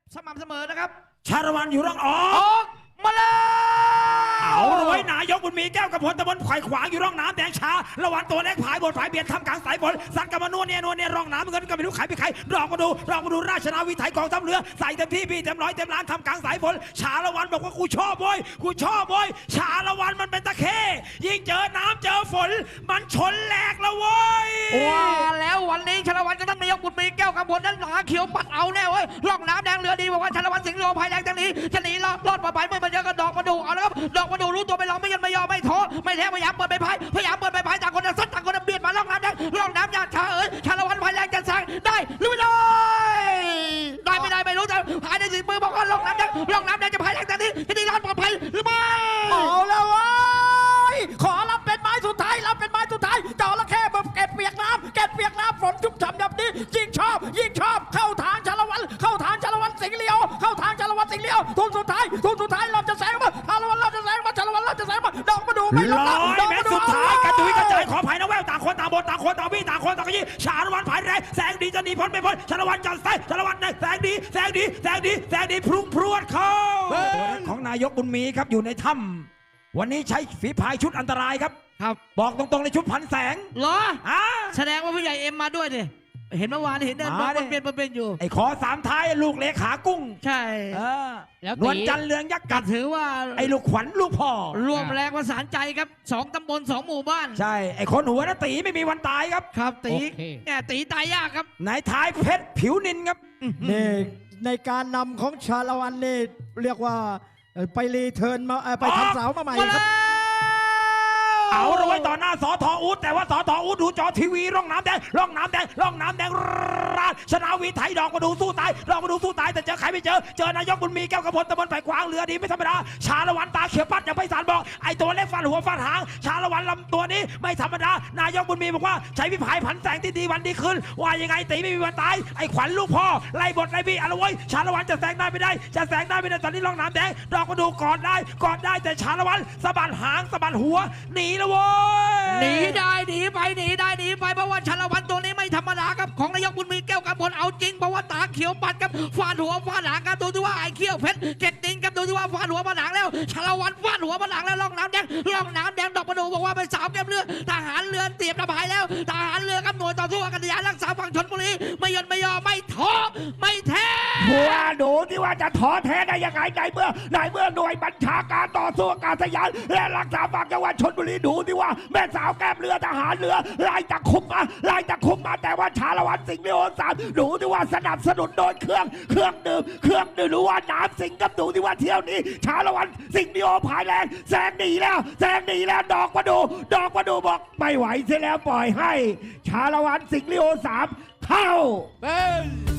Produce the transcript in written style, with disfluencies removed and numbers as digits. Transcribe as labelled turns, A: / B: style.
A: สม่ำเสมอนะครับ
B: ชาละวันอยู่ร่องออ
A: ออกมาเลย
B: เอาเลย นายกบุญมีแก้วกระพลตะบนไข่ขวางอยู่ร่องน้ำแดงชาละวันตัวเล็กผายบนผายเบียดทำกลางสายฝนสันกับมานวลเนี่ยร่องน้ำเงินก็ไม่รู้ใครเป็นใครลองมาดูราชนาวีไทยกองทัพเรือใส่เต็มที่พี่เต็มร้อยเต็มล้านทำกลางสายฝนชาละวันบอกว่ากูชอบโว้ยชาละวันมันเป็นตะเข้ยิ่งเจอน้ำเจอฝนมันชนแหลกแล้วเว้ย
A: ว่าแล้ววันนี้ชาละวันกับท่านนายกบุญมีแก้วกระพลนั้นหาเขียวปัดเอาแน่เว้ยร่องน้ำแดงเรือดีบอกว่าชาละวันสิงห์โลภายแรงจังนี้จะหนีรอดปลอดภัยไม่มันเจอกันดอกมาดูเอาแล้วครับดอกมาดูรู้ตัวไม่ลองไม่ยันไม่ยอมไม่ท้อไม่แท้พยายามเปิดไปพายต่างคนซัดต่างคนเบียดมาล่องน้ำแดงล่องน้ำยากชาชาละวันภายแรงจะแซงได้หรือไม่ได้ไม่รู้แต่หายในสีมือบอกว่าล่องน้ำแดงจะภายแรงจากนี้จะได้รอดปลอดภัยหรือไม่
C: เอาแล้วเว้ยขอรับเป็นไม้สุดท้ายเจ้าละแค่แบบเก็บเปียกน้ำฝนชุ่มฉ่ำแบบนี้ยิ่งชอบเข้าทางชาละวันสิงห์เลียวทุนสุดท้ายเราจะแซงมาชาละวันเราจะแซงมาดอกมาดูไม่ลง
B: 100 เมตรสุดท้ายกระจุยกระจายขออภัยนะแววต่างคนต่างบนต่างคนต่างวิ่งต่างคนต่างยี่ชาละวันผายแรงแสงดีจะหนีพ้นไม่พ้นชาละวันจัดไส้ชาละวันแสงดีพรุ่งพรวดเข้าของนายกบุญมีครับอยู่ในถ้ำวันนี้ใช้ฝีพายชุดอันตรายครับบอกตรงๆในชุดพันแสง
A: เหรอแสดงว่าผู้ใหญ่เอ็มมาด้วยดิเห็นเมื่อวานเห็นเดินเป็นอยู่
B: ไอ้ขอสามท้ายลูกเลขากุ้ง
A: ใช่
B: แล้วนวลจันทร์เรืองยักษ์กัด
A: ถือว่า
B: ไอ้ลูกขวัญลูกพ่อ
A: รวมแรงประสานใจครับ2 ตำบล 2 หมู่บ้าน
B: ใช่ไอ้คนหัวนะตีไม่มีวันตายครับ
A: ตีเนี่ยตีตายยากครับ
B: นายท้ายเพชรผิวนินครับ
C: นี่ในการนำของชาละวันนี่เรียกว่าไปรีเทิร์นมาไปทำเสามาใหม่ครับ
B: เอาเลยไว้ต่อหน้าสอทออูดแต่ว่าสอทออูดดูจอทีวีร่องน้ำแดงราชนาวีไทยดอกมาดูสู้ตายแต่เจอใครไม่เจอนายกบุญมีแก้วกระพลตะบนไผ่ขวางเรือดีไม่ธรรมดาชาละวันตาเขียวปัดอย่างไพศาลบอกไอ้ตัวเล็กฟันหัวฟันหางชาละวันลำตัวนี้ไม่ธรรมดานายกบุญมีบอกว่าใช้วิพายผันแสงที่ดีวันดีขึ้นว่ายังไงตีไม่มีวันตายไอ้ขวัญลูกพ่อไล่บทไล่บี้อะไรไว้ชาละวันจะแซงได้ไม่ได้ตอนนี้ร่องน้ำแดงดอกมาดูกอดได้แต่ชาละวันสะบัดหางสะบัดหัวหนีแล้ว
A: หนีไปเพราะว่าชาละวันตัวนี้ไม่ธรรมดาครับของนายกบุญมีแก้วกระพลเอาจริงเพราะว่าตาเขียวปัดครับฟาดหัวฟาดหางครับดูที่ว่าไอ้เขี้ยวเพชรเก็ดดินครับดูที่ว่าฟาดหัวฟาดหางแล้วชาละวันฟาดหัวฟาดหางแล้วล่องน้ำแดงดอกประดูบอกว่าเป็นสาวแก้มเรือทหารเรือเตรียมระบายแล้วทหารเรือกับหน่วยต่อสู้อากาศยานรักษาฝั่งชลบุรีไม่ยอมไม่ท้อไม่แท้
B: หัวดูที่ว่าจะท้อแท้ได้ยังไงในเมื่อหน่วยบัญชาการต่อสู้อากาศยานและรักษาฝั่งจังหวัดชลบุรีดูที่ว่าแม่สาวแก้มเรือทหารเรือไล่ตะคุ่มมาแต่ว่าชาละวันสิงห์โอสามดูที่ว่าสนับสนุนโดยเครื่องดื่มหรือว่าน้ำสิงห์กับดูที่ว่าเที่ยวนี้ชาละวันสิงห์โอภายแรงแซงหนีแล้วดอกมาดูบอกไม่ไหวเสียแล้วปล่อยให้ชาละวันสิงห์โอสามเข้า